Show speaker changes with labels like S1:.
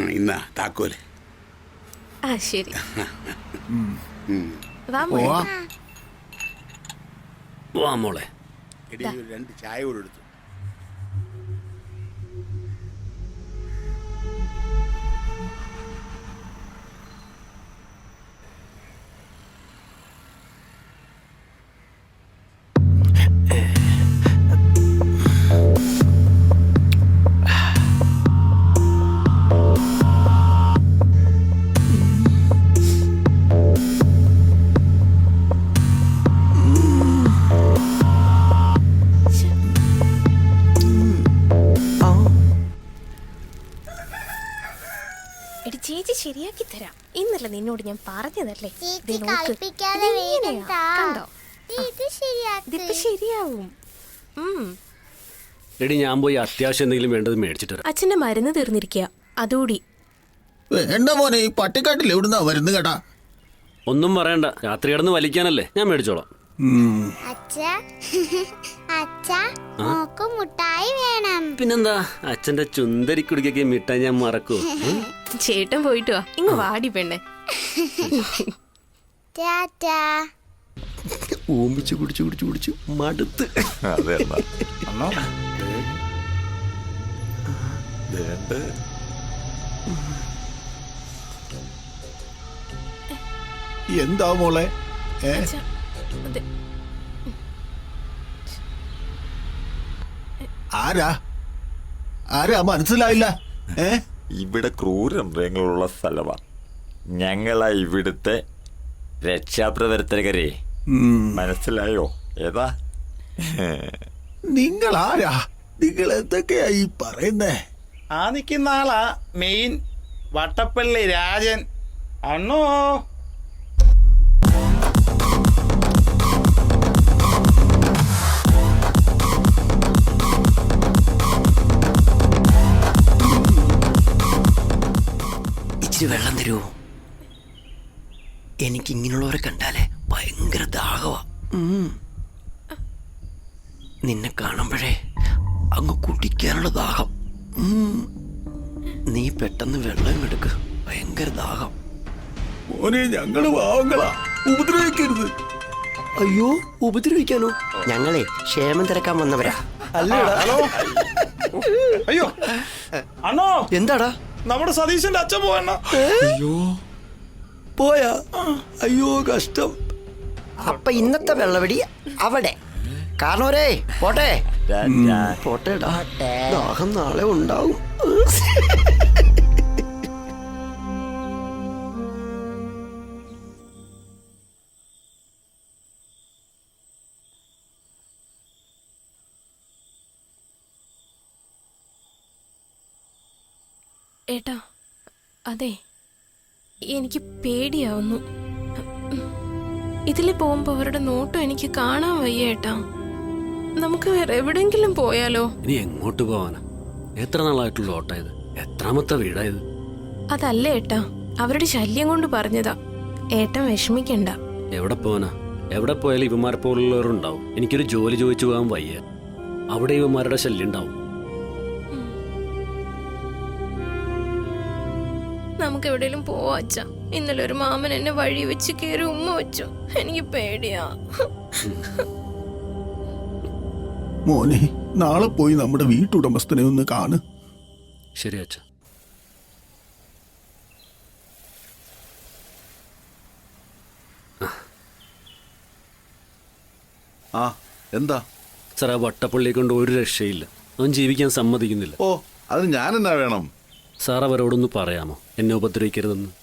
S1: ഇന്നാ താക്കോല്.
S2: ആ ശരി.
S3: വാ മോളെ.
S1: എടി, ഒരു 2 ചായ കൂടെ എടുത്തു.
S2: എടി ചേച്ചി ശരിയാക്കി തരാം. ഇന്നല്ല നിന്നോട് ഞാൻ പറഞ്ഞതല്ലേ. ശരിയാവും.
S3: എടി ഞാൻ പോയി അത്യാവശ്യം എന്തെങ്കിലും വേണ്ടത് മേടിച്ചിട്ട് വരാം.
S2: അച്ഛന്റെ മരുന്ന് തീർന്നിരിക്കുക, അതോടി.
S4: വേണ്ട മോനെ, ഈ പട്ടിക്കാട്ടിൽ എവിടുന്നാ വരുന്നു കേട്ടാ.
S3: ഒന്നും പറയണ്ട, രാത്രി കിടന്ന് വലിക്കാനല്ലേ, ഞാൻ മേടിച്ചോളാം.
S5: മുട്ടായി വേണം.
S3: പിന്നെന്താ, അച്ഛന്റെ ചുന്തരി കുടിക്കൊക്കെ മിഠായി ഞാൻ മറക്കൂ.
S2: ചേട്ടൻ പോയിട്ട് വാ, ഇങ്ങ് വാടി പെണ്ണെ.
S3: ഓമിച്ച് കുടിച്ചു കുടിച്ചു കുടിച്ചു മടുത്ത്.
S4: എന്താ മോളെ? ആരാ ആരാ മനസ്സിലായില്ല.
S6: ഇവിടെ ക്രൂരമൃഗങ്ങളുള്ള സ്ഥലമാണ്. ഞങ്ങളാ ഇവിടുത്തെ രക്ഷാപ്രവർത്തകരെ. മനസ്സിലായോ? ഏതാ
S4: നിങ്ങൾ ആരാ? നിങ്ങൾ എന്തൊക്കെയാ ഈ പറയുന്നേ?
S7: ആ നിൽക്കുന്ന ആളാ മെയിൻ വട്ടപ്പള്ളി രാജൻ. അണ്ണോ
S3: ഇച്ചിരി വെള്ളം തരുമോ? എനിക്ക് ഇങ്ങനെയുള്ളവരെ കണ്ടാലേ ഭയങ്കര ദാഹവാ. നിന്നെ കാണുമ്പോഴേ അങ്ങ് കുടിക്കാനുള്ള ദാഹം. നീ പെട്ടെന്ന് വെള്ളം എടുക്ക്, ഭയങ്കര ദാഹം.
S4: മോനെ, ഞങ്ങള് പാവങ്ങളാ, ഉപദ്രവിക്കരുത്.
S3: അയ്യോ, ഉപദ്രവിക്കാനോ? ഞങ്ങളെ ക്ഷേമം തിരക്കാൻ വന്നവരാ.
S7: ഹലോ. അയ്യോ അണ്ണോ,
S3: എന്താടാ?
S7: നമ്മുടെ സതീശന്റെ അച്ഛൻ പോവണ്ണ.
S3: അയ്യോ, പോയാ? അയ്യോ കഷ്ടം. അപ്പൊ ഇന്നത്തെ വെള്ളവടി അവിടെ കാരണവരേ. പോട്ടെ പോട്ടേടാ, ദാഹം നാളെ ഉണ്ടാവും.
S2: ഏട്ടാ, അതെ, എനിക്ക് പേടിയാവുന്നു. ഇതിൽ പോകുമ്പോ അവരുടെ നോട്ടം എനിക്ക് കാണാൻ വയ്യ ഏട്ടാ. നമുക്ക് വേറെ എവിടെങ്കിലും പോയാലോ?
S3: ഇനി എങ്ങോട്ട് പോവാനാ? എത്ര നാളായിട്ടുള്ള ഓട്ടായത്? എത്രാമത്തെ വീടായത്?
S2: അതല്ല ഏട്ടാ, അവരുടെ ശല്യം കൊണ്ട് പറഞ്ഞതാ. ഏട്ടൻ വിഷമിക്കണ്ട.
S3: എവിടെ പോവാനാ? എവിടെ പോയാലും ഇവന്മാരെ പോലുള്ളവരുണ്ടാവും. എനിക്കൊരു ജോലി ചോദിച്ചു പോകാൻ വയ്യ. അവിടെ ഇവന്മാരുടെ ശല്യം ഉണ്ടാവും.
S2: നമുക്ക് എവിടെയെങ്കിലും പോവാ അച്ഛാ. ഇന്നലെ ഒരു മാമൻ എന്നെ വഴി വെച്ച് കയറി ഉമ്മ വെച്ചു. എനിക്ക് പേടിയാ.
S4: മോനെ, നാളെ പോയി നമ്മുടെ വീട്ടുടമസ്ഥനെ ഒന്ന് കാണ്.
S3: ശരി അച്ഛാ.
S8: എന്താ
S3: സാർ, ആ വട്ടപ്പള്ളിയെ കൊണ്ട് ഒരു രക്ഷയില്ല. അവൻ ജീവിക്കാൻ സമ്മതിക്കുന്നില്ല.
S8: ഓ, അത് ഞാൻ എന്നാ വേണം?
S3: സാർ അവരോടൊന്ന് പറയാമോ എന്നെ ഉപദ്രവിക്കരുതെന്ന്?